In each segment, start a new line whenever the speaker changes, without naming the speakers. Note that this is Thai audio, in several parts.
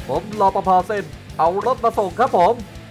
ผมรปภเส้นเอารถมาส่งครับผม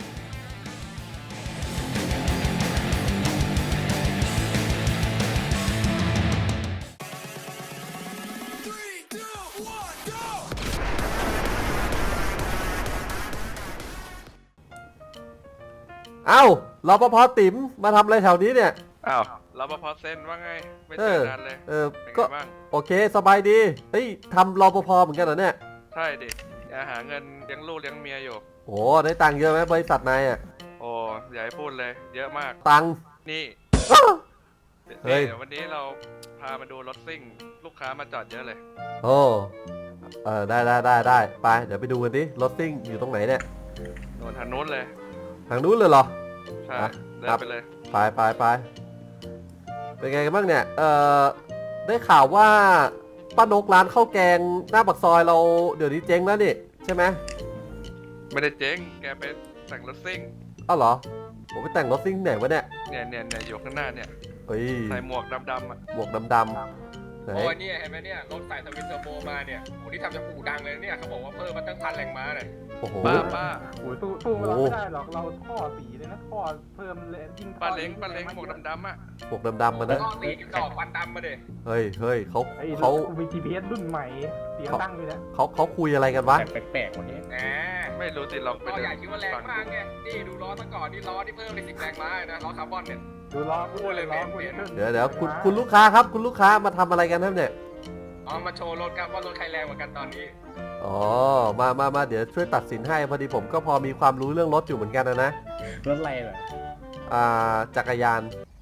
เอ้ารปภติ๋มมาทำอะไรแถวนี้เนี่ย
อ้าวรปภเซ็นว่าไงไม่เจอนานเลยเป็นไงบ้าง
โอเคสบายดีเฮ้ยทำรปภเหมือนกันเหรอเนี่ย
ใช่ดิหาเงินเลี้ยงลูกเลี้ยงเมียอยู่
โอ้ได้ตังค์เยอะไหมบริษัทนายอ่ะ
โอ้อย่าให้พูดเลยเยอะมาก
ตังค์
นี่
เฮ้ย
วันนี้เราพามาดูรถซิ่งลูกค้ามาจอดเยอะเลย
โอ้ได้ไปเดี๋ยวไปดูกันดิรถซิ่งอยู่ตรงไหนเนี่ย
โดนทางนู้นเลย
ทางนู้นเลยเหรอ
ใช่เดินไปเลย
ไปเป็นไงกันบ้างเนี่ยได้ข่าวว่าป้านกร้านข้าวแกงหน้าปากซอยเราเดี๋ยวนี้เจ๊งแล้วนี่ใช่ไหม
ไม่ได้เจ๊งแกไปแต่งรถซิ่ง
อ้าวเหรอผมไปแต่งรถซิ่งไหนวะเนี่ย
อยู่ข้างหน้าเนี่ย
เฮ้ย
ใส่หมวกดำๆอ่ะ
หมวกดำ
โอ้ยเนี่ยเห็นไหมเนี่ยรถใส่ทวินเทอร์โบมาเนี่ยโอ้ที่ทำจากอู่ดังเลยเนี่ยเขาบอกว่าเพิ่มมาตั้ง1,000 แรงม้าเลย
โอ้โห
ป้า
โอ้ยสู้เราไม่ได้หรอกเราท่อสีเลยนะท่อเพิ่มเลยยิ่ง
ป้าเล้งหมวกดำๆอ่ะ
หมวกดำๆมานะ
ท่อสีกับดอกควันดำมาเด็
เฮ้ยเขา
มี GPS รุ่นใหม่เสียงดังเลยนะ
เขาคุยอะไรกันวะ
แปลกๆวันนี้
แหม
ไม่รู้สิลองไป
ดูใหญ่คิดว่าแรงมากไงนี่ดูล้อซะก่อนนี่ล้อที่เพิ่มไป10 แรงม้านะล้อคาร์บอนเนี่ย
ดูล้อพูดเลยล้อ
เดี๋ยวคุณลูกค้าครับคุณลูกค้ามาทำอะไรกันครับเนี่ย
มาโชว์รถครับว่ารถใครแรงกว่ากันตอนนี้
อ๋อมาเดี๋ยวช่วยตัดสินให้พอดีผมก็พอมีความรู้เรื่องรถอยู่เหมือนกันนะ
รถอะไรเหรอ
จักรยาน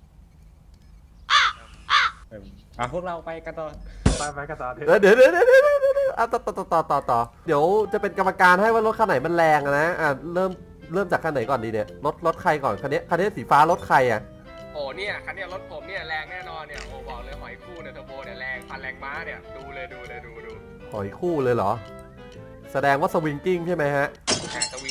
พวกเราไปกันต่อไปกันต่อ
เดี๋ยวต่อเดี๋ยวจะเป็นกรรมการให้ว่ารถคันไหนมันแรงนะเริ่มจากคันไหนก่อนดีเนี่ยรถใครก่อนคันนี้สีฟ้ารถใครอ่ะ
โอ้เนี่ยคันนี้รถผมเนี่ยแรงแน่นอนเนี่ยโอ้บอกเลยหอยคู่เนี่ยเทอร์โบเนี่ยแรง1,000 แรงม้าเนี่ยดู
หอยคู่เลยเหรอแสดงว่าสวิงกิ้งใช่ไหมฮะ
สวิง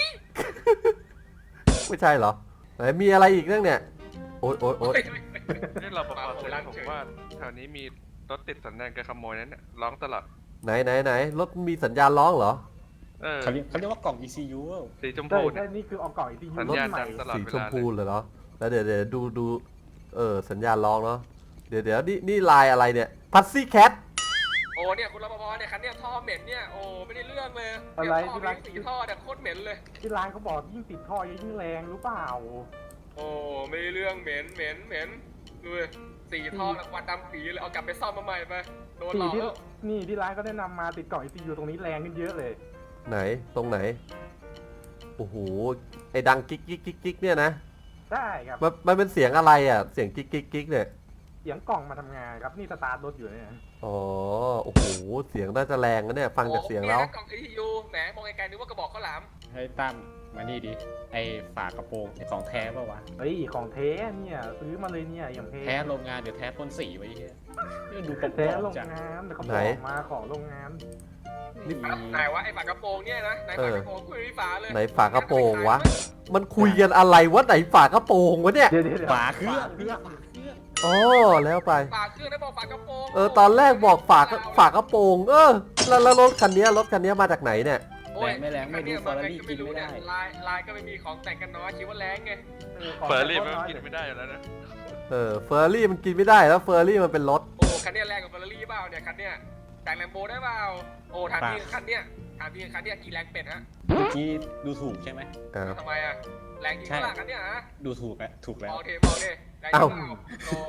ไม่ใช่เหรอไหนมีอะไรอีกเรื่องเนี่ยโอ๊ย
นี่เราบอกผมว่าแถวนี้มีรถติดสัญญาณการขโมยนั้นเนี่ยร้องตลอด
ไหนรถมีสัญญาณร้องเหรอ
เขาเรียกว่ากล่อง ECU
สีชมพู
นี่คือเอากล่อง ECU
สัญญาณดังตลอด
เวลาสีชมพูเลยเหรอแล้วเดี๋ยวดูสัญญาณร้องเนาะเดี๋ยวนี่ลายอะไรเนี่ยพัซซี่แคท
โอ้เนี่ยคุณรปภเนี่ยคันเนี่ยท่อเหม็นเนี่ยโอ้ไม่ได้เรื่องเลย
อะไร
ที่ร้านสีท่อเนี่ยโคตรเหม็นเลย
ที่ร้านเขาบอกยิ่งติดท่อยิ่งแรงหรือเปล่า
โอ้ไม่ได้เรื่องเหม็นดูสีท่อแล้วควันดำปีเลยเอากลับไปซ่อมมาใหม่ไปโดนหลอกแล้ว
นี่ที่ร้านก็แนะนำมาติดกล่อง ECU ตรงนี้แรงขึ้นเยอะเลย
ไหนตรงไหนโอ้โหไอ้ดังกิ๊กเนี่ยนะ
ได้ครับ
มันเป็นเสียงอะไรอ่ะเสียงกิ๊กเนี่ย
เสียงกล่องมาทำงานครับนี่สตาร์ทรถอยู่เนี่ย
อ๋อโอ้โหเสียงน่าจะแรงนะเนี่ยฟังจากเสียงแล้ว
กล่อง ECU แหมมองไกลๆนึกว่ากระบอกข้าวหลาม
ให้ตั้มมานี่ดิไอฝากระโปรงของแท้ป่าวะเฮ้ยของแท้เนี่ยซื้อมาเลยเนี่ยอย่าง
แท้โรงงานเดี๋ยวแท้พ่นสีไว้เฮีย
ดูแท้โรงงานแต่เขาบอกมาของโรงงาน
ไหนวะไอฝากระโปรงเนี่ยนะไหนฝากระโปรงคุยฝาเลย
ไหนฝากระโปรงวะมันคุยกันอะไรวะไหนฝากระโปรงวะเนี่ย
ฝาเครื่อง
อ๋อแล้วไป
ฝาเครื่องได้บอกฝากระโปรง
ตอนแรกบอกฝากระโปรงแล้วรถคันนี้มาจากไหไหนเนี่ย
ไม่แรงไม่ดูเฟอร์รารี่กินไม่ได้
ลายก็ไม่มีของแต่งกันน้อยคิดว่าแรงไง
เฟอร์รี่มันกินไม่ได้อยู่แล้วนะ
เฟอร์รี่มันกินไม่ได้แล้วเฟอร์รี่มันเป็นรถ
โอ้คันนี้แรงกว่าเฟอร์รี่เปล่าเนี่ยคันเนี้ยแต่งแลมโบได้เปล่าโอ้ถามพี่คันเนี้ยกี่แรงเป็ดฮะ
เมื่อกี้ดูถูกใช่ไหม
ทำไมอะแรงจริงเปล่าคันเนี้ยฮะ
ดูถูกแล้ว
บอกเทแรงจริงเปล่าโอ้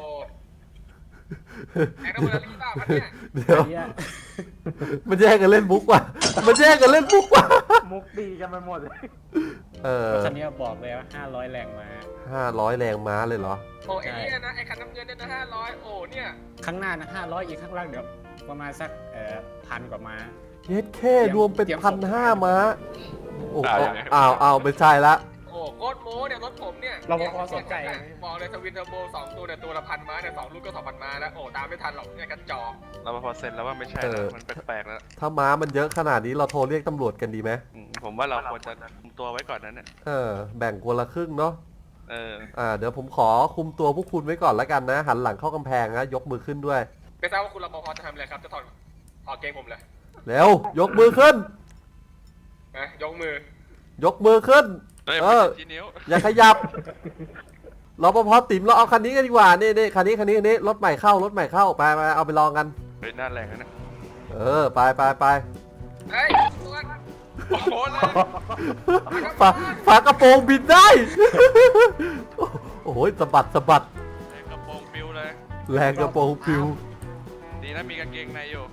แรงเฟอร์รี่เปล่าคันเนี้ย
เดี๋ยวมันแย่งกันเล่นมุกว่ะ
มุกดีกันไปหมดเลย
คันนี้บอกเลยว่า500 แรงม้
า500 แรงม้าเลยเหรอ
โอ้ไอ้เนี่ยนะไอ้คันน้ำเงินเนี่ยนะ500โอ้เนี่ย
ข้างหน้านะ500อีกข้างล่างเดี๋ยวประมาณสัก1,000 กว่าม้า
เย็ดแค่รวมเป็น1,500 ม้าโอ้อ้าวไม่ใช่ละ
โอ้โคตรโม้เนี่ยรถผมเนี่ย
เราพอสนใจ
บอกเลยทวินเทอร์โบ2ตัวเนี่ยตัวละ1,000 ม้าเนี่ย2ลูกก็ 2,000 ม้าแล้วโอ้ตามไม่ทันหรอกเนี่ยกระจอก
เราพอเซ็นแล้วว่าไม่ใช่แล้วมันแปลกๆแล้ว
ถ้าม้ามันเยอะขนาดนี้เราโทรเรียกตำรวจกันดีไหม
ผมว่าเราควรจะคุมตัวไว้ก่อนนั้นเนี่ย
แบ่งคนละครึ่งเนาะเดี๋ยวผมขอคุมตัวพวกคุณไว้ก่อนแล้วกันนะหันหลังเข้ากำแพงนะยกมือขึ้นด้วย
ไม่ทราบว่าคุณรปภจะทำอะไรครับจะถอดเกงผมเลย
เร็วยกมือขึ้น
นะยกมือ
ยกมือขึ้น
เฮ้ย
เอ
ไม่
อ
ใช่ชี้นิ้ว
อย่าขยับรปภติ๋มเราเอาคันนี้กันดีกว่านี่คันนี้รถใหม่เข้ไปเอาไปลองกัน
เฮ้ยหน้าแรงนะ
ไป
เฮ้ยตัว
โอ้โหแรง
ฝากระโปรงบินได้ โอ้โหสะบัด
แรงกระโปรงปิวเลย
แรงกระโปรงปิว
ดีนะมีกางเกงในอยู่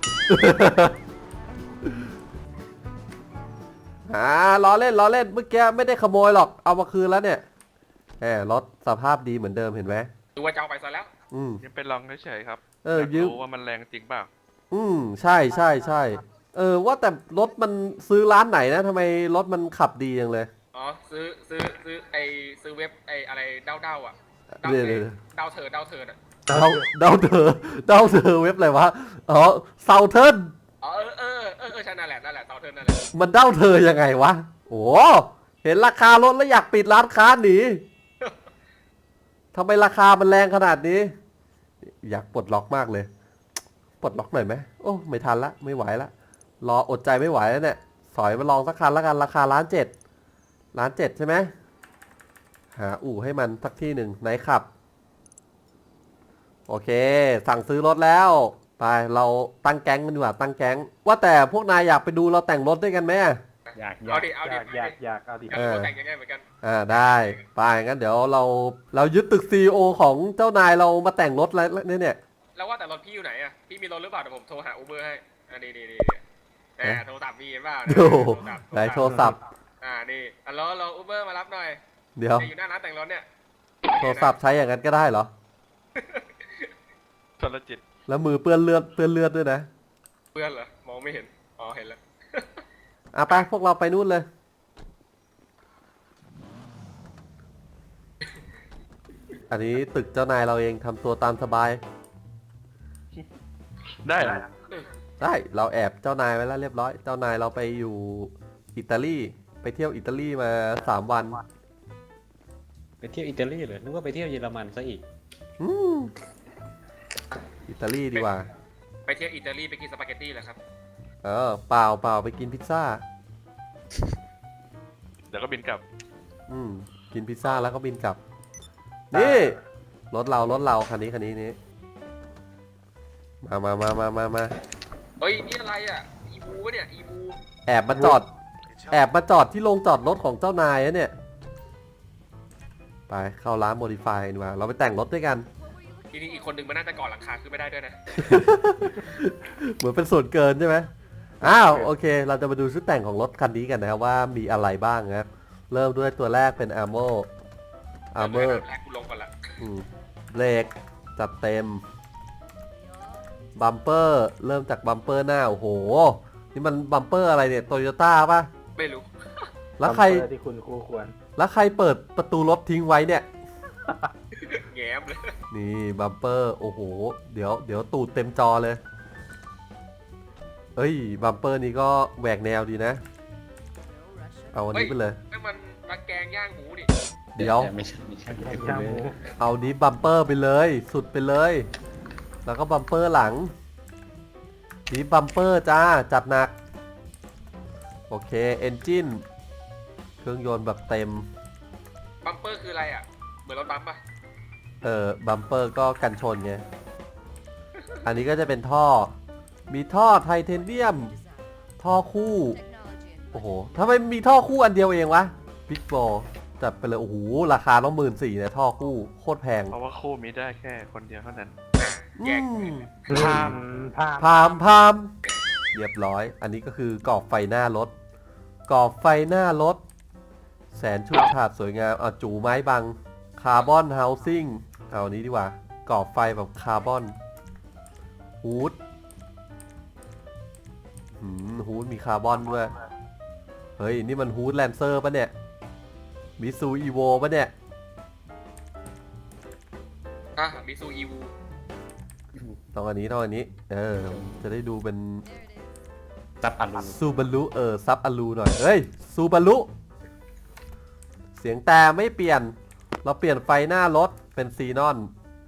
ล้อเล่นเมื่อกี้ไม่ได้ขโมยหรอกเอามาคืนแล้วเนี่ยรถสภาพดีเหมือนเดิมเห็นไหม
ดูว่าจะเอาไปซะแล้ว
ยังเป็นลองเฉยๆครับ
ยืม
รู้ว่ามันแรงจริงเปล่า
ใช่ว่าแต่รถมันซื้อร้านไหนนะทำไมรถมันขับดีจังเลย
อ๋อซื้อซื้อเว็บอะไรเด้าอ่ะ
เดี๋ยว
เด้าเถิดอ่ะ
เดาเธอเว็บอะไรวะอ๋อเซาเทิร์น
อ๋อใช่นั่นแหละเด้าเถิดนั่นแหละ
มันเดาเธอยังไงวะโอ้เห็นราคารถแล้วอยากปิดร้านค้าหนีทำไมราคามันแรงขนาดนี้ อยากปลดล็อกมากเลยปลดล็อกหน่อยไหมโอ้ไม่ทันละไม่ไหวละรออดใจไม่ไหวแล้วเนี่ยสอยมาลองสักคันแล้วกันราคา1,700,000ใช่ไหมหาอู่ให้มันสักที่หนึ่งไหนขับโอเคสั่งซื้อรถแล้วไปเราตั้งแก๊งกันดีกว่าตั้งแก๊งว่าแต่พวกนายอยากไปดูเราแต่งรถด้วยกันไหม
อยาก
เอาดิ
อยากเอาดิ
แต่งยังไงเหมือนกัน
ได้ไปงั้นเดี๋ยวเรายึดตึก CEO ของเจ้านายเรามาแต่งรถแล้วเนี่ย
แล้วว่าแต่รถพี่อยู่ไหนอ่ะพี่มีรถหรือเปล่าเดี๋ยวผมโทรหาอูเบอร์ให้นี่โทรศัพท์มีเปล่า
โอ้โหไหนโทรศัพท์
นี่เราอูเบอร์มารับหน่อย
เดี๋ยว
อยู่หน้าร้านแต่งรถเนี่ย
โทรศัพท์ใช้อย่างนั้นก็ได้เหรอ
ชนละจิต
แล้วมือเปื้อนเลือดด้วยนะ
เพื่อนเหรอมองไม่เห็นอ๋อเห็นแล้ว
ไปพวกเราไปนู่นเลย อันนี้ตึกเจ้านายเราเองทำตัวตามสบาย
ได้เหรอ
ได้เราแอบเจ้านายไว้แล้วเรียบร้อย เจ้านายเราไปอยู่อิตาลีไปเที่ยวอิตาลีมา3 วัน
ไปเที่ยวอิตาลีเหรอนึกว่าไปเที่ยวเยอรมันซะอีก
อืมอิตาลีดีกว่า
ไปเที่ยวอิตาลีไปกินสปาเกตตี้เหรอครับ
เปล่าไปกินพิซซ่า
เดี๋ยวก็บินกลับ
กินพิซซ่าแล้วก็บินกลับ นี่รถเราคันนี้นี่มา
เฮ้ยนี่อะไรอ่ะอีบูเนี่ยอีบู
แอบมาจอดที่โรงจอดรถของเจ้านายนะเนี่ย ไปเข้าร้านโมดิฟายดีกว่าเราไปแต่งรถด้วยกัน
ทีนี้อีกคนหนึ่งมันน่าจะก่อหลังคาขึ้นไม่ได้ด้วยนะ
เหมือนเป็นส่วนเกินใช่ไหมโอเค เราจะมาดูชุดแต่งของรถคันนี้กันนะครับว่ามีอะไรบ้างนะครับเริ่มด้วยตัวแรกเป็นอาร์เมอร์
แรกกูลงก่อนละ
เบรกจัดเต็มบัมเปอร์เริ่มจากบัมเปอร์หน้าโอ้โหนี่มันบัมเปอร์อะไรเนี่ยโตโยต้าป่ะ
ไม่รู้
แล้วใคร
ที่คุณคู่ควร
แล้วใครเปิดประตูรถทิ้งไว้เนี่ย
แง้มเลย
นี่บัมเปอร์โอ้โหเดี๋ยวตูดเต็มจอเลยเอ้ยบัมเปอร์นี้ก็แหวกแนวดีนะ เอาอันนี้ไปเลย
นั่นมันตะแกรงย่างหมูดิ
เดี๋ยว
ไม่ใช่
ย่างหมู
เอานี้บัมเปอร์ไปเลยสุดไปเลย แล้วก็บัมเปอร์หลังนี้บัมเปอร์จ้าจัดหนักโอเคเอนจินเครื่องยนต์แบบเต็ม
บัมเปอร์คืออะไรอ่ะเหมือนรถบัมปะ
บัมเปอร์ก็กันชนไงอันนี้ก็จะเป็นท่อมีท่อไทเทเนียมท่อคู่โอ้โหทำไมมีท่อคู่อันเดียวเองวะบิ๊กบอลจัดไปเลยโอ้โหราคาต้อง14,000เนี่ยท่อคู่โคตรแพง
เพราะว่าคู่มีได้แค่คนเดียวเท่านั้น
แยก
พามเรียบร้อย อันนี้ก็คือกรอบไฟหน้ารถกรอบไฟหน้ารถแสนชุดฉาดสวยงามจูไม้บังคาร์บอนเฮาซิ่งเอาอันนี้ดีกว่ากรอบไฟแบบคาร์บอนฮูดฮูดมีคาร์บอนด้วยเฮ้ยนี่มันฮูดแลนเซอร์ปะเนี่ยมิซูอีโวปะเนี่ย
มิซูอีวู
ต้องอันนี้จะได้ดูเป็น
ซับอัลู
ซูบารุซับอลูหน่อยเฮ้ยซูบารุเสียงแต่ไม่เปลี่ยนเราเปลี่ยนไฟหน้ารถเป็นซีนอน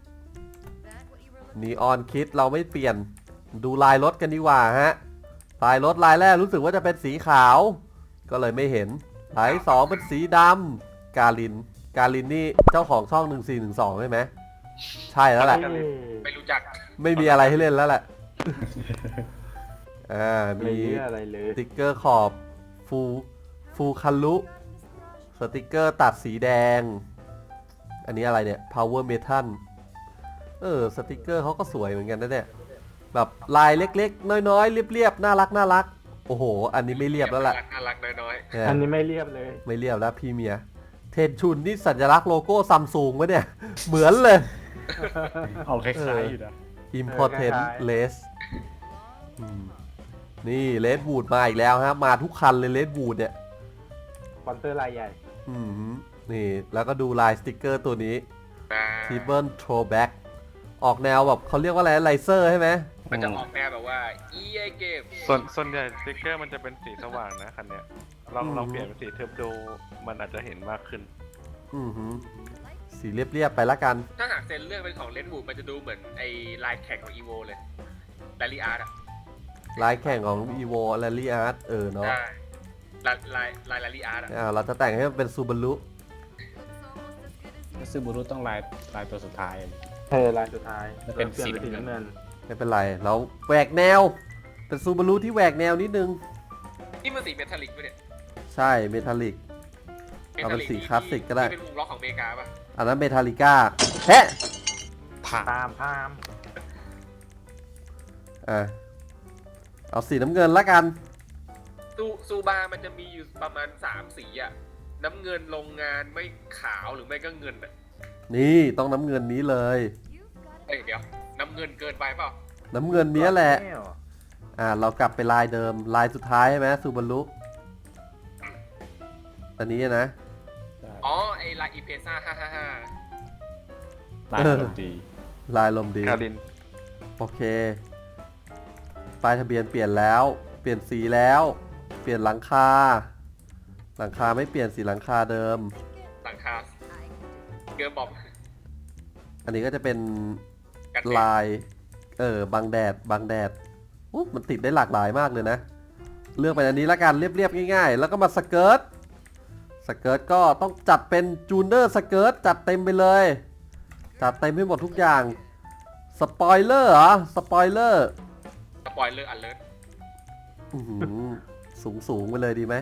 นีออนคิดเราไม่เปลี่ยนดูลายรถกันดีกว่าฮะลายรถลายแรกรู้สึกว่าจะเป็นสีขาวก็เลยไม่เห็นลายที่สองเป็นสีดำกาลินนี่เจ้าของช่อง1412ใช่ไหมใช่แล้วแหละ
ไม่รู้จัก
ไม่มีอะไรให้เล่นแล้วแหละมี
อะไรเลย
สติกเกอร์ขอบฟูคันลุสติกเกอร์ตัดสีแดง อันนี้อะไรเนี่ย power metal สติกเกอร์เขาก็สวยเหมือนกันนะเนี่ยแบบลายเล็กๆน้อยๆเรียบๆน่ารักโอ้โหอันนี้ไม่เรียบแล้วล่ะ
น่ารักน้อย
เนี่ย
อันนี้ไม่เรียบเลย
ไม่เรียบแล้วพี่เมียเทนชุนนี่สัญลักษณ์โลโก้ซัมซุงวะเนี่ย เหมือนเลย
เอาคล้ายๆอยู่นะ
Important
คล้ายๆ
Race นี่เลดวูดมาอีกแล้วฮะมาทุกคันเลยเลดวูดเนี่ย
สปอนเซอร์รายใหญ่
นี่แล้วก็ดูลายสติกเกอร์ตัวนี้
ๆนะ
t ีเบิลโทรแบ็กออกแนวแบบเขาเรียกว่าอะไรไลเซอร์ใช่ไหม
มันจะออกแนวแบบว่า EA เกม
ส่วนใหญ่สติ๊กเกอร์มันจะเป็นสีสว่างนะคันเนี้ยลองเปลี่ยนเป็นสีเทอร์โบมันอาจจะเห็นมากขึ้น
สีเรียบๆไปละกัน
ถ้าหากเซนเลือกเป็นของเลนบูดมันจะดูเหมือนไอ้ลายแข่งของ EVO เลยแรลลี่อาร์ตอะ
ลายแข่งของ evo rally art เนาะ
ใช่ลายแรลลี่อาร์ตอะ
เราจะแต่งให้มันเป็นซูบารุ
ซูบูรุต้องลายตัวสุดท้าย
ลายสุดท้าย
จะเป็น
ปลี่ย
สี
สีน้ำเงิน
ไม่เป็นไรเราแหวกแนวเป็นซูบารุที่แหวกแนวนิดนึง
นี่มันสีเมทัลลิกปะเนี่ย
ใช่เมทัลลิก เอาเป็นสีคลาสสิกก็ได้
ที่เป็นวงล็อกของอเมริกาปะ
อันนั้นเมทัลลิก้าแฮะ
ผ่า
พาม
เอาสีน้ำเงินละกัน
ซูบามันจะมีอยู่ประมาณ3สีอะน้ำเงินโรงงานไม่ขาวหรือไม่ก็เงินอะ
นี่ต้องน้ำเงินนี้เลย
เอ้ยเดี๋ยวน้ำเงินเกินไปเปล่า
น้ำเงินเนี้ยแหละ
ว
เรากลับไปลายเดิมลายสุดท้ายใช่ไหมซูบารุอันนี้นะ
อ๋อไอลายอีเพซ่า555
ลายดนตรี
ลายลมดี
คาริน
โอเคป้ายทะเบียนเปลี่ยนแล้ว เปลี่ยนสีแล้ว เปลี่ยนหลังคาไม่เปลี่ยนสีหลังคาเดิม
หลังคาเกิร์บอม
อันนี้ก็จะเป็น
กัน
ลายบังแดดอุ๊ยมันติดได้หลากหลายมากเลยนะ เลือกเป็นอันนี้ละกันเรียบๆง่ายๆ แล้วก็มาสเกิร์ตก็ต้องจัดเป็นจูเนอร์สเกิร์ตจัดเต็มไปเลย จัดเต็มให้หมดทุกอย่างสปอยเลอร์เหรอสปอยเลอร์
สปอยเลอร์อันเลิศ
สูงไปเลยดีไหม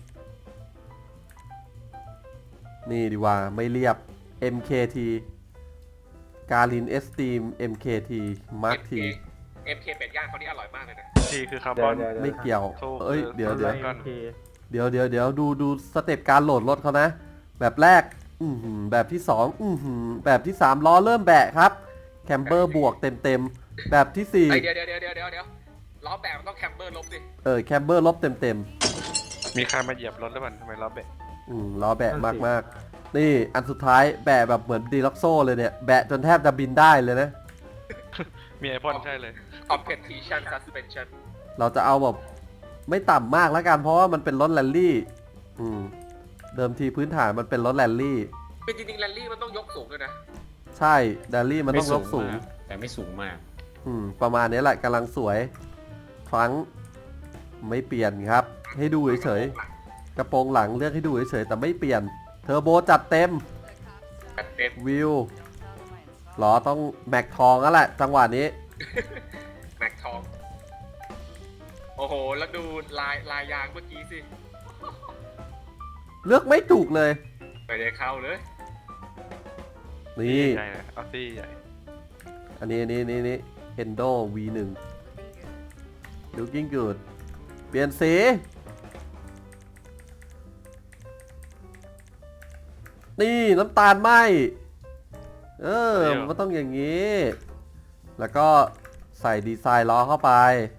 นี่ดีกว่าไม่เรียบ MKT การินเอสตีม MKT มาร์คที
MK เป็ดย่างเขานี่อร่อยมากเลยนะ
ทีคือคาร์บอน
ไม่เกี่ยว
ถูก
เอ้ยเดี๋ยว
เดี๋ยว
โอเค
เดี๋ยวดูสเต็ปการโหลดรถเขานะ แบบแรกแบบที่สองแบบที่3ล้อเริ่มแบะครับแคมเบอร์บวกเต็มแบบที่4
เดี๋ยวล้อแบบมันต้องแคมเบอร์ลบดิ
แคมเบอร์ลบเต็ม
มีใครมาเหยียบรถหรือเปล่าทำไมเราเบะ
ล้อแบะมากๆนี่อันสุดท้ายแบะแบบเหมือนดีล็อกโซ่เลยเนี่ยแบะจนแทบจะบินได้เลยนะ
มีไอพ่นใช่เลย
Competition Suspension
เราจะเอาแบบไม่ต่ำมากแล้วกันเพราะว่ามันเป็นรถแรลลี่เดิมทีพื้นฐานมันเป็นรถแรลลี่
คือจริงๆแรลลี่มันต้องยกสูงเลยนะ
ใช่แรลลี่มันต้องยกสูง
มากแต่ไม่สูงมาก
ประมาณนี้แหละกำลังสวยครั้งไม่เปลี่ยนครับ ให้ดูเฉยๆกระโปรงหลังเลือกให้ดูเฉยๆแต่ไม่เปลี่ยนเทอร์โบจัดเต็ม
จัดเต็ม
วิวล้อต้องแม็กทองแล้วแหละจังหวะนี้
แม็กทอง โอ้โห แล้วดูลายยางเมื่อกี้สิ
เลือกไม่ถูกเลย
ไม่ได้เข้าเลย
นี่
ใหญ่เลยออสซี่ใหญ่
อันนี้Endo V1 looking good เปลี่ยนสีนี่น้ำตาลไหมมันต้องอย่างนี้ แล้วก็ใส่ดีไซน์ล้อเข้าไป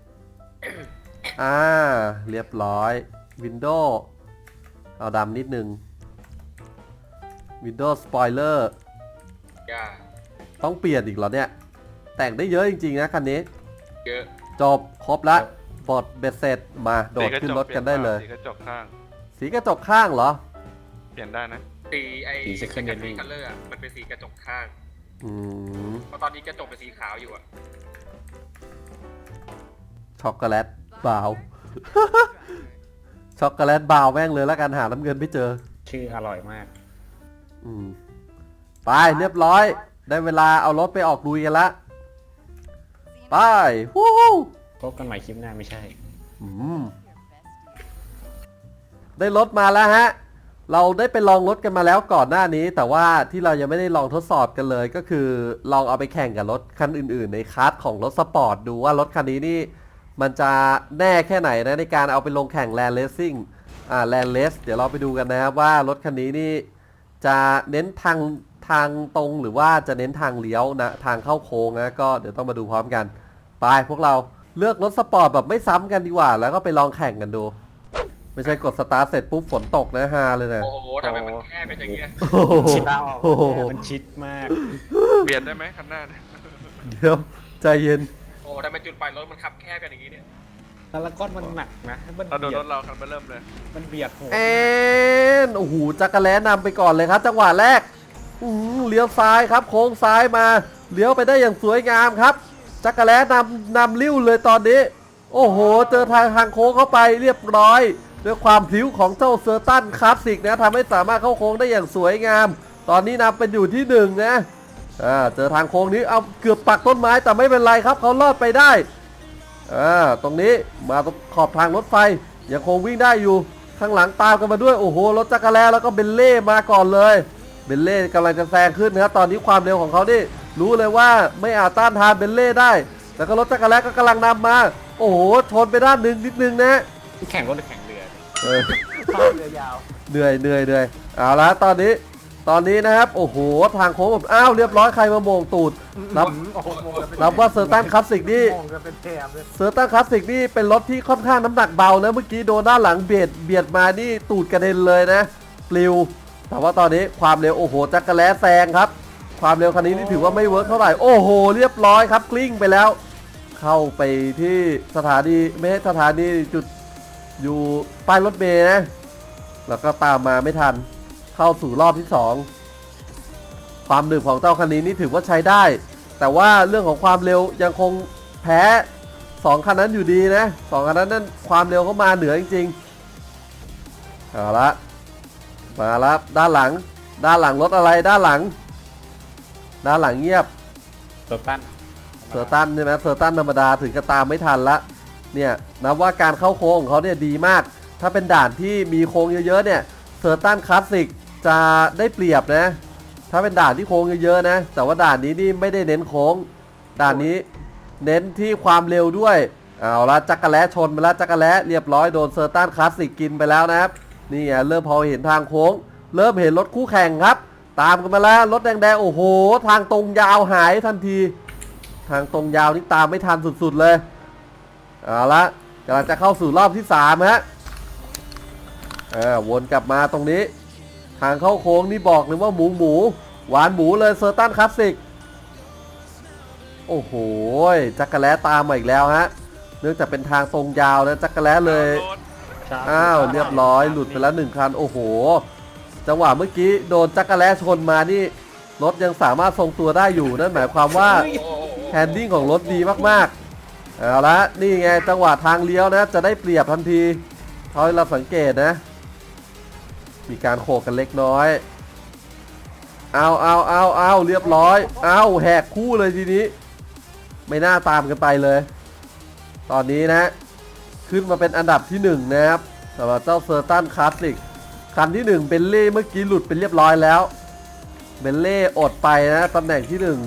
เรียบร้อย Windows เอาดำนิดนึง Windows Spoiler
อย่า
ต้องเปลี่ยนอีกเหรอเนี่ย แต่งได้เยอะจริงๆนะคันนี้
เยอะ
จบครบละบทเบ็ดเสร็จมาโดดขึ้นรถกันได้เลย
สีกระจกข้าง
สีกระจกข้างเหรอ
เปลี่ยนได้นะ
สีไอ้
สี secondary
คัลเลอร์มันเป็นสีกระจกข้าง
อืม
เพราะตอนนี้กระจกเป็นสีขาวอยู่อะ
ช็อกโกแลตบราวน์ช็อกโกแลตบราวน์แม่งเลยแล้วกันหาน้ำเงินไม่เจอ
ชื่ออร่อยมาก
อืมไปเรียบร้อย ได้เวลาเอารถไปออกลุยกันละไปวู้ฮู้
พบกันใหม่คลิปหน้าไม่ใช่
อืมได้รถมาแล้วฮะ เราได้ไปลองรถกันมาแล้วก่อนหน้านี้ แต่ว่าที่เรายังไม่ได้ลองทดสอบกันเลย ก็คือลองเอาไปแข่งกับรถคันอื่นๆ ในคลาสของรถสปอร์ตดูว่ารถคันนี้นี่มันจะแน่แค่ไหนนะในการเอาไปลงแข่งแลนด์เลสซิ่งแลนด์เลสเดี๋ยวเราไปดูกันนะครับว่ารถคันนี้นี่จะเน้นทางตรงหรือว่าจะเน้นทางเลี้ยวนะทางเข้าโค้งนะก็เดี๋ยวต้องมาดูพร้อมกันไปพวกเราเลือกรถสปอร์ตแบบไม่ซ้ำกันดีกว่า แล้วก็ไปลองแข่งกันดู ไม่ใช่กดสตาร์ทเสร็จปุ๊บฝนตกนะฮาเลยนะ
โอ้โหทำไมมันแค่เป็นอย่างเงี้ย
โอ้โห
ชิด
โอ้โห
มันชิดมาก
เปลี่ยนได้ไหมคันหน้าเนี่ย
เดี๋ยวใจเย็น
โอ้ทำไมจุดปลายรถมันขับแคบกันอย่างงี้เนี่ย
แล้วก้อนมันหนักนะมัน
เราโดน
เบีย
ร
ด
ถเราคันมาเริ่มเลย
มันเบียดหัว
แอนโอ้โหจักรแล้นำไปก่อนเลยครับ จังหวะแรกเลี้ยวซ้ายครับ โค้งซ้ายมาเลี้ยวไปได้อย่างสวยงามครับ จักรแล้นำลิ้วเลยตอนนี้ โอ้โห เจอทางโค้งเข้าไปเรียบร้อยด้วยความพลิ้วของเจ้าเซอร์ตันคลาสสิกนะทำให้สามารถเข้าโค้งได้อย่างสวยงาม ตอนนี้นำเป็นอยู่ที่1นะเจอทางโค้งนี้เอาเกือบปักต้นไม้แต่ไม่เป็นไรครับเขารอดไปได้ตรงนี้มาตรงขอบทางรถไฟยังคงวิ่งได้อยู่ข้างหลังตามกันมาด้วยโอ้โหรถจักรแล้แล้วก็เบนเล่มาก่อนเลยเบนเล่กำลังจะแซงขึ้นนะครับตอนนี้ความเร็วของเขานี่รู้เลยว่าไม่อาจต้านทานเบนเล่ได้แต่ก็รถจักรแล้ก็กำลังนำมาโอ้โหชนไปด้านหนึ่งนิดนึงนะ
แข่งรถหรือแข่งเรือ
ข้าเรือยาว
เหนื่อยเอาละตอนนี้นะครับโอ้โหทางโค้งแบบอ้าวเรียบร้อยใครมาโมงตูดนับ
โอ้โหมองกันเป็น
นับว่าเซอร์ตันคลาสสิกนี่
มองกันเป็นแถบเลย
เซอร์ตันคลาสสิกนี่เป็นรถที่ค่อนข้างน้ำหนักเบานะเมื่อกี้โดนด้านหลังเบียดมานี่ตูดกระเด็นเลยนะปลิวแต่ว่าตอนนี้ความเร็วโอ้โหจักรแล้แซงครับความเร็วคันนี้นี่ถือว่าไม่เวิร์กเท่าไหร่โอ้โหเรียบร้อยครับกลิ้งไปแล้ว เข้าไปที่สถานีไม่ใช่สถานีจุดอยู่ป้ายรถเมล์นะแล้วก็ตามมาไม่ทันเข้าสู่รอบที่ 2ความหนึบของเจ้าคันนี้นี่ถือว่าใช้ได้ แต่ว่าเรื่องของความเร็วยังคงแพ้2คันนั้นอยู่ดีนะ2คันนั้นความเร็วเขามาเหนือจริงๆเอาละมาแล้วด้านหลังรถอะไรด้านหลังเงียบ
เซอร์ตัน
เซอร์ตันใช่ไหมเซอร์ตันธรรมดาถึงจะตามไม่ทันละเนี่ยนับว่าการเข้าโค้งของเขาเนี่ยดีมากถ้าเป็นด่านที่มีโค้งเยอะๆเนี่ยเซอร์ตันคลาสสิกจะได้เปรียบนะถ้าเป็นด่านที่โค้งเยอะๆนะแต่ว่าด่านนี้นี่ไม่ได้เน้นโค้งด่านนี้เน้นที่ความเร็วด้วยเอาละจักรแล้ชนไปแล้วจักรแล้เรียบร้อยโดนเซอร์ตันคลาสสิกกินไปแล้วนะครับนี่ไงเริ่มพอเห็นทางโค้งเริ่มเห็นรถคู่แข่งครับตามกันมาแล้วรถแดงๆโอ้โหทางตรงยาวหายทันทีทางตรงยาวนี่ตามไม่ทันสุดๆเลยเอาละกำลังจะเข้าสู่รอบที่3ฮะวนกลับมาตรงนี้ทางเข้าโค้งนี่บอกเลยว่าหมูหวานหมูเลยเซอร์ตันคลาสสิกโอ้โหจักรแล้ตามมาอีกแล้วฮะเนื่องจากเป็นทางตรงยาวนะจักรแล้เลย
โดน
อ้าวเรียบร้อยหลุดไปแล้ว1คันโอ้โหจังหวะเมื่อกี้โดนจักรแล้ชนมานี่รถยังสามารถทรงตัวได้อยู่นั่นหมายความว่า
โอ้โห
แฮนดิ้งของรถดีมากๆเอาละนี่ไงจังหวะทางเลี้ยวนะจะได้เปรียบทันทีเท่าที่เราสังเกตนะมีการโขกกันเล็กน้อยเอาเรียบร้อยเอาแหกคู่เลยทีนี้ไม่น่าตามกันไปเลย ตอนนี้นะขึ้นมาเป็นอันดับที่1นะครับสำหรับเจ้าเซอร์ตันคลาสสิกคันที่1เบนเล่เมื่อกี้หลุดเป็นเรียบร้อยแล้วเบนเล่อดไปนะตำแหน่งที่1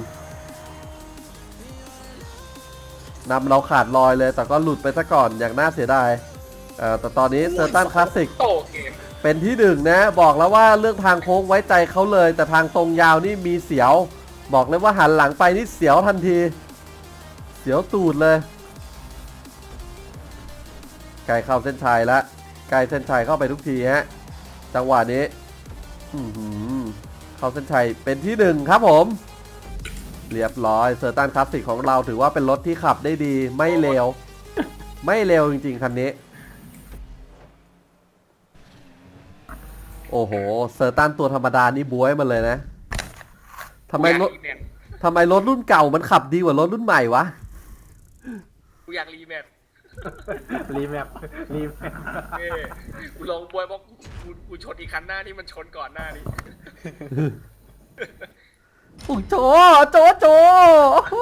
นำเราขาดลอยเลยแต่ก็หลุดไปซะก่อนอย่างน่าเสียดายแต่ตอนนี้เซอร์ตันคลาสสิก
โตเกม
เป็นที่1นะบอกแล้วว่าเรื่องทางโค้งไว้ใจเขาเลยแต่ทางตรงยาวนี่มีเสียวบอกเลยว่าหันหลังไปนี่เสียวทันทีเสียวตูดเลยใกล้เข้าเส้นชัยแล้วใกล้เส้นชัยเข้าไปทุกทีฮะจังหวะนี้เข้าเส้นชัยเป็นที่1ครับผมเรียบร้อยเซอร์ตันคลาสสิกของเราถือว่าเป็นรถที่ขับได้ดีไม่เร็วไม่เร็วจริงๆคันนี้โอ้โหเซอร์ตันตัวธรรมดานี่บ๊วยมาเลยนะทำไมรถรุ่นเก่ามันขับดีกว่ารถรุ่นใหม่วะ
กูอยากรีแมท
รีแมปรีแมป
เอ้ยกูลงบวยบอกกูชนอีกคันหน้าที่มันชนก่อนหน้านี้
อุ๊ยโจโอ้โห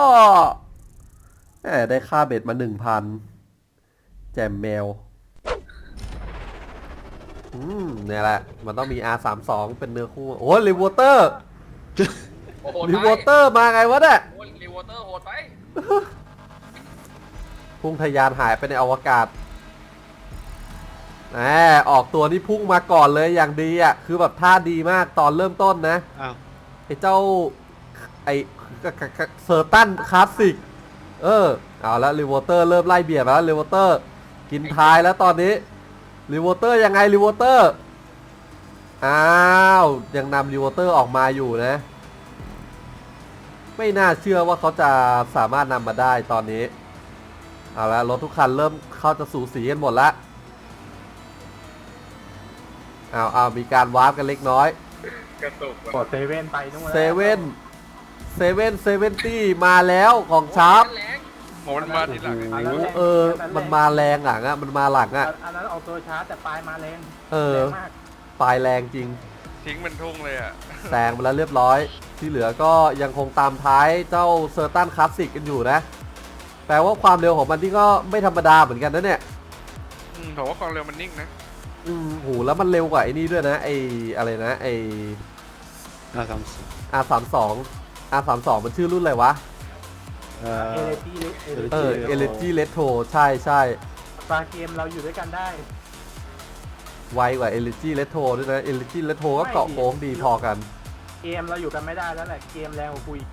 แหมได้ค่าเบ็ดมา 1,000 แจมแมว เนี่ยแหละ มันต้องมี R32 เป็นเนื้อคู่ โอ้รีวอเตอร์
โอ้โห
รีวอเตอร์มาไงวะเนี่ย
โอ้รีวอเตอร์โหดไป
พุ่งทะยานหายไปในอวกาศแหมออกตัวนี่พุ่งมาก่อนเลยอย่างดีอ่ะ คือแบบท่าดีมากตอนเริ่มต้นนะ
อ้าว
ไอ้เจ้า ไอ้เซอร์ตันคลาสสิก เอาแล้วรีวอเตอร์เริ่มไล่เบียดมาแล้วรีวอเตอร์ กินท้ายแล้วตอนนี้รีวอเตอร์ยังไงรีวอเตอร์ อ้าวยังนำรีวอเตอร์ออกมาอยู่นะ ไม่น่าเชื่อว่าเขาจะสามารถนำมาได้ตอนนี้ เอาละรถทุกคันเริ่มเข้าจะสูสีกันหมดละเอามีการวาร์ปกันเล็กน้อย
กระตุก
กดเซเว่นไปนู่นแล้ว
เซเว่นตี้มาแล้วของชาร์ป
แรง
โหมันมาทีหลัง
อันนั้นแรง
มันมาแรงหลังมันมาหลัง
อันนั้นออกตัวช้าแต่ปลายมาแรง
เออ
แรงมาก
ปลายแรงจริง
ทิ้งมันทุ่งเลยอ่ะ
แซงไปแล้วเรียบร้อย ที่เหลือก็ยังคงตามท้ายเจ้าเซอร์ตันคลาสสิกกันอยู่นะ แปลว่าความเร็วของมันที่ก็ไม่ธรรมดาเหมือนกันนะเนี่ย
ผมว่าความเร็วมันนิ่งนะ
โหแล้วมันเร็วกว่าไอ้นี่ด้วยนะไอ้อะไรนะไอ้
R32
R32 มันชื่อรุ่นอะไรวะ
เอเลตี้
Energy Retro ใช่
ปลาเกมเราอยู่ด้วยกันได้
ไวกว่า Energy Retro ด้วยนะ Energy Retro ก็เกาะโค้งดีพอกัน
เกมเราอยู่กันไม่ได้แล้วแหละเกมแรงกว่าคุย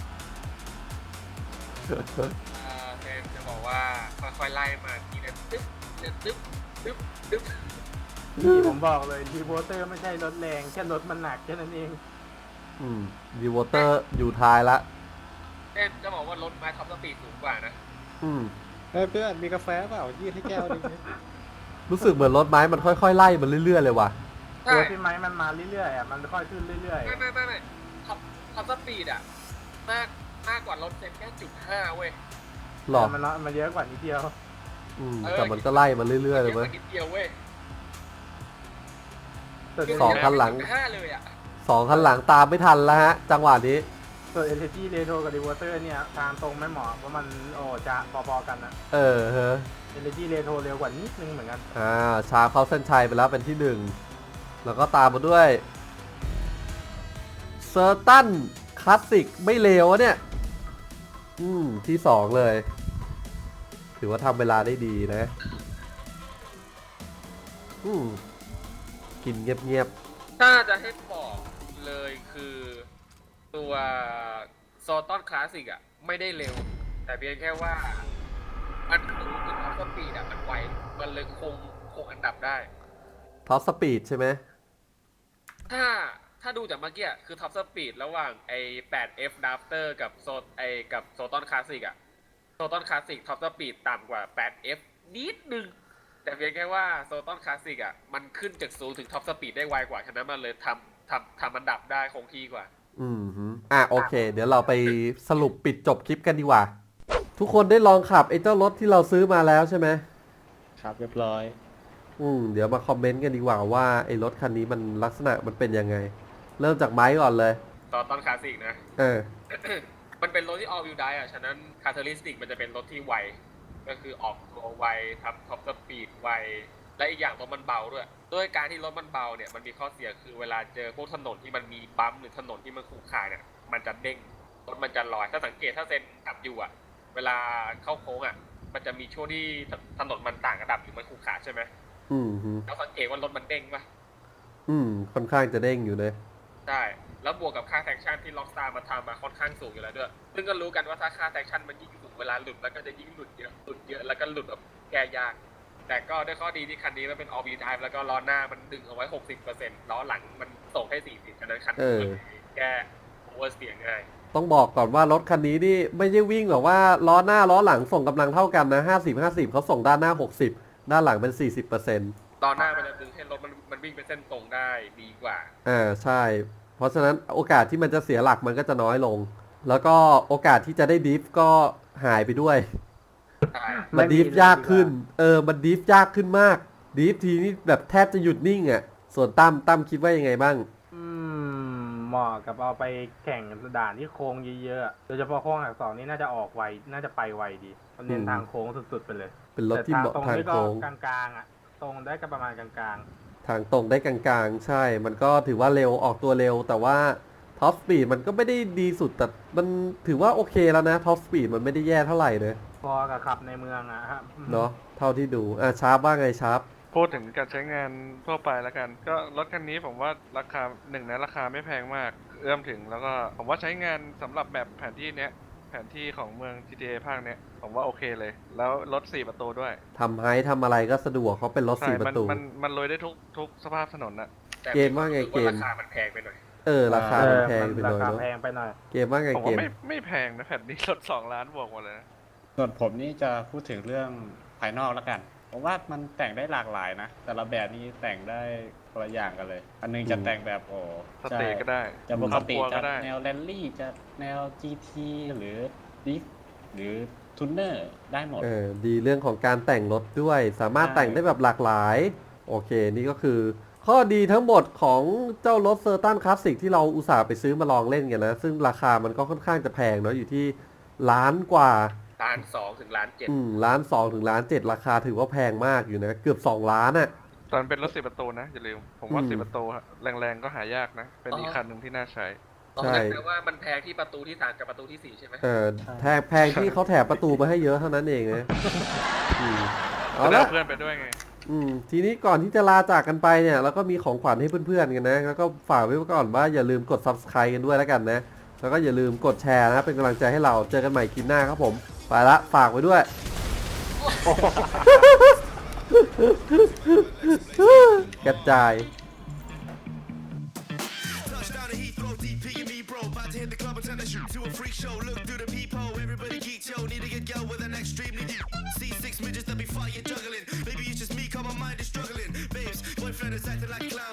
เทมจะบอกว่าค่อยๆไล่มาทีละตึ๊บตึ๊บตึ๊บตึ๊บ
นี่ผมบอกเลยรีโวเตอร์ไม่ใช่รถแรงแค่รถมันหนักแค่นั้นเอง
ดีวอเตอร์อยู่ท้ายละ
เทมจะบอกว่ารถไม้ท็อปสปีดสูงกว่านะ
เฮ้ยเพื่อนมีกาแฟเปล่ายืดให้แก้วหนึง
รู้สึกเหมือนรถไม้มันค่อยๆไล่มันเรื่อยๆเลยว่ะ
ใช่
ตัวที่ไม้มันมาเรื่อยๆอ่ะมันค่อยขึ้นเรื่อย
ไม่ท็อปสปีดอ่ะมากกว่ารถเซนแค่0.5เว้ย
ๆ
หรอ
มันเยอะกว่านิดเดียว
แต่มันก็ไล่มันเรื่อยๆเลยเว้ย
นิดเดียวเว้ย
สองคันหลัง
0.5เลยอ่ะ
2 คันหลังตามไม่ทันแล้วฮะ จังหวะนี้
ส่วนเอเลจีเรโทกับรีโวเตอร์เนี่ยทางตรงไม่เหมาะเพราะมันจะพอๆกันนะ
เฮะ
เอเลจีเรโทเร็วกว่านิดนึงเหมือนกัน
ชาเข้าเส้นชัยไปแล้วเป็นที่ 1 แล้วก็ตามมาด้วยเซอร์ตันคลาสสิกไม่เลวอะเนี่ย ที่ 2 เลย ถือว่าทำเวลาได้ดีนะ กินเงียบ
ถ้าจะให้บอกเลยคือตัวโซตอนคลาสสิกอ่ะไม่ได้เร็ว แต่เพียงแค่ว่ามันถึงท็อปสปีดอ่ะมันไวมันเลยคงอันดับได้
ๆท็อปสปีดใช่ไหม
ถ้าดูจากเมื่อกี้อะคือท็อปสปีดระหว่างไอ้ 8F Drafter กับโซตอนคลาสสิกอ่ะโซตอนคลาสสิกท็อปสปีดต่ำกว่า 8F นิดนึง แต่เพียงแค่ว่าโซตอนคลาสสิกอ่ะมันขึ้นจากศูนย์ถึงท็อปสปีดได้ไวกว่าฉะนั้นมันเลยทำอันดับได้คงที่กว่า
โอเค เดี๋ยวเราไปสรุปปิดจบคลิปกันดีกว่า ทุกคนได้ลองขับไอ้เจ้ารถที่เราซื้อมาแล้วใช่ไหม
ครับเรียบร้อย
เดี๋ยวมาคอมเมนต์กันดีกว่าว่าไอ้รถคันนี้มันลักษณะมันเป็นยังไง เริ่มจากไม้ก่อนเลย
โซตอนคลาสสิกนะ มันเป็นรถที่ all wheel drive อ่ะ ฉะนั้น characteristic มันจะเป็นรถที่ไว ก็คือออกตัวไวทำท็อปสปีดไว และอีกอย่างรถมันเบาด้วย ด้วยการที่รถมันเบาเนี่ย มันมีข้อเสียคือเวลาเจอพวกถนนที่มันมีบัมป์หรือถนนที่มันขรุขระเนี่ย มันจะเด้ง รถมันจะลอย ถ้าสังเกตถ้าเซนขับอยู่อ่ะ เวลาเข้าโค้งอ่ะ มันจะมีช่วงที่ถนนมันต่างระดับหรือมันขรุขระใช่ไหม แล้วสังเกตว่ารถมันเด้งปะ
ค่อนข้างจะเด้งอยู่เลย
ใช่ แล้วบวกกับค่าแท็กชั่นที่ล็อกสตาร์มาทำมาค่อนข้างสูงอยู่แล้วด้วย ซึ่งก็รู้กันว่าถ้าค่าแท็กชั่นมันยิ่งสูงเวลาหลุดแล้วก็จะยิ่งหลุดเยอะแล้วก็หลุดแบบแก้ยาก แต่ก็ด้วยข้อดีที่คันนี้มันเป็น all wheel drive แล้วก็ล้อหน้ามันดึงเอาไว้ 60% ล้อหลังมันส่งให้ 40 ฉะนั้นคันนี้มันแก้โอเวอร์สเตียง่าย
ต้องบอกก่อนว่ารถคันนี้นี่ไม่ใช่วิ่งหรอกว่าล้อหน้าล้อหลังส่งกำลังเท่ากันนะ50-50เขาส่งด้านหน้า60ด้านหลังเป็น 40%
ตอนหน้ามันจะดึงให้รถมันวิ่งเป็นเส้นตรงได้ดีกว่า
ใช่ เพราะฉะนั้นโอกาสที่มันจะเสียหลักมันก็จะน้อยลง แล้วก็โอกาสที่จะได้ดริฟต์ก็หายไปด้วย
ใช่
มันดีฟยากขึ้น มันดีฟยากขึ้นมาก ดีฟทีนี่แบบแทบจะหยุดนิ่งอ่ะ ส่วนตั้มคิดว่ายังไงบ้าง
เหมาะกับเอาไปแข่งด่านที่โค้งเยอะๆโดยเฉพาะโค้งหลักสองนี่น่าจะออกไวน่าจะไปไวดีมันเน้นทางโค้งสุดๆไปเลย
เป็นรถที่เหมาะ
แต่
ทาง
นี่ก็
โค้ง
กลางๆอ่ะตรงได้ก็ประมาณกลาง
ทางตรงได้กลางๆ ใช่ มันก็ถือว่าเร็วออกตัวเร็ว แต่ว่าท็อปสปีดมันก็ไม่ได้ดีสุด แต่มันถือว่าโอเคแล้วนะท็อปสปีดมันไม่ได้แย่เท่าไหร่เลย
ๆพอกับขับในเมืองอ่ะครับ
เนาะเท่าที่ดูชาร์ปว่าไงชาร์ป
พูดถึงการใช้งานทั่วไปแล้วกัน ก็รถคันนี้ผมว่าราคาราคาไม่แพงมาก เอื้อมถึงแล้วก็ผมว่าใช้งานสำหรับแบบแผนที่เนี้ยแผนที่ของเมือง GTA ภาคเนี้ยผมว่าโอเคเลย แล้วรถ4ประตูด้วย
ทำไฮทำอะไรก็สะดวกเขาเป็นรถ
ใช่
4 ประตู
มันลุยได้ทุกสภาพถนนน่ะ
แต่
เกมว่าไงเกม
ราคามันแพงไปหน่อย
ราคามันแพงไปหน่อย
ราคา
เนาะ
แพงไปหน่อย
เกมว่าไง
ผม
เก
ว่าม ไม่แพงนะแผ่นนี้รถ2 ล้านบวกหมดเลยนะ
ส่วนผมนี่จะพูดถึงเรื่องภายนอกแล้วกัน ผมว่ามันแต่งได้หลากหลายนะ แต่ละแบบนี้แต่งได้คนละอย่างกันเลย อันนึงจะแต่งแบบ
สเตย์ก็ได้
จะปกติ
ครอบครัว
จะ
ก็ได้
แนวแรลลี่จะแนว GT หรือดิฟหรือทูนเนอร์ได้หมด
ดีเรื่องของการแต่งรถด้วย สามารถ
ใช่
แต่งได้แบบหลากหลาย โอเค นี่ก็คือ ข้อดีทั้งหมดของเจ้ารถเซอร์ตันคลาสสิกที่เราอุตส่าห์ไปซื้อมาลองเล่นกันนะ ซึ่งราคามันก็ค่อนข้างจะแพงเนาะอยู่ที่ล้านกว่า
1.2 ถึง 1.7
1.2 ถึง1.7 ราคาถือว่าแพงมากอยู่นะ เกือบ2 ล้านอ่ะ
ตอนเป็นรถ4ประตูนะอย่าลืมผมว่า
อืม
4ประตูแรงๆก็หายากนะ เป็นอีกคันหนึ่งที่น่าใช้
ใช่
แต่ว่ามันแพงที่ประตูที่ 3 กับประตูที่ 4 ใช่ไหม
แพงที่เขาแถมประตูมาให้เยอะเท่านั้นเองนะเอา
จะได้
ละ
เพื่อนไปด้วยไง
ทีนี้ก่อนที่จะลาจากกันไปเนี่ยเราก็มีของขวัญให้เพื่อนๆกันนะ แล้วก็ฝากไว้ก่อนว่าอย่าลืมกด subscribe กันด้วยแล้วกันนะ แล้วก็อย่าลืมกดแชร์นะเป็นกำลังใจให้เราเจอกันใหม่คลิปหน้าครับผม ไปละฝากไว้ด้วย กระจาย
Touchdown to Heathrow, DP and me, bro. About to hit the club and turn the shoot to a freak show. Look through the peephole, everybody geek, yo. Need to get yo with an extreme. Need see 6 midgets that be fire juggling. Maybe it's just me, cause my mind is struggling. Babes, boyfriend is acting like a clown.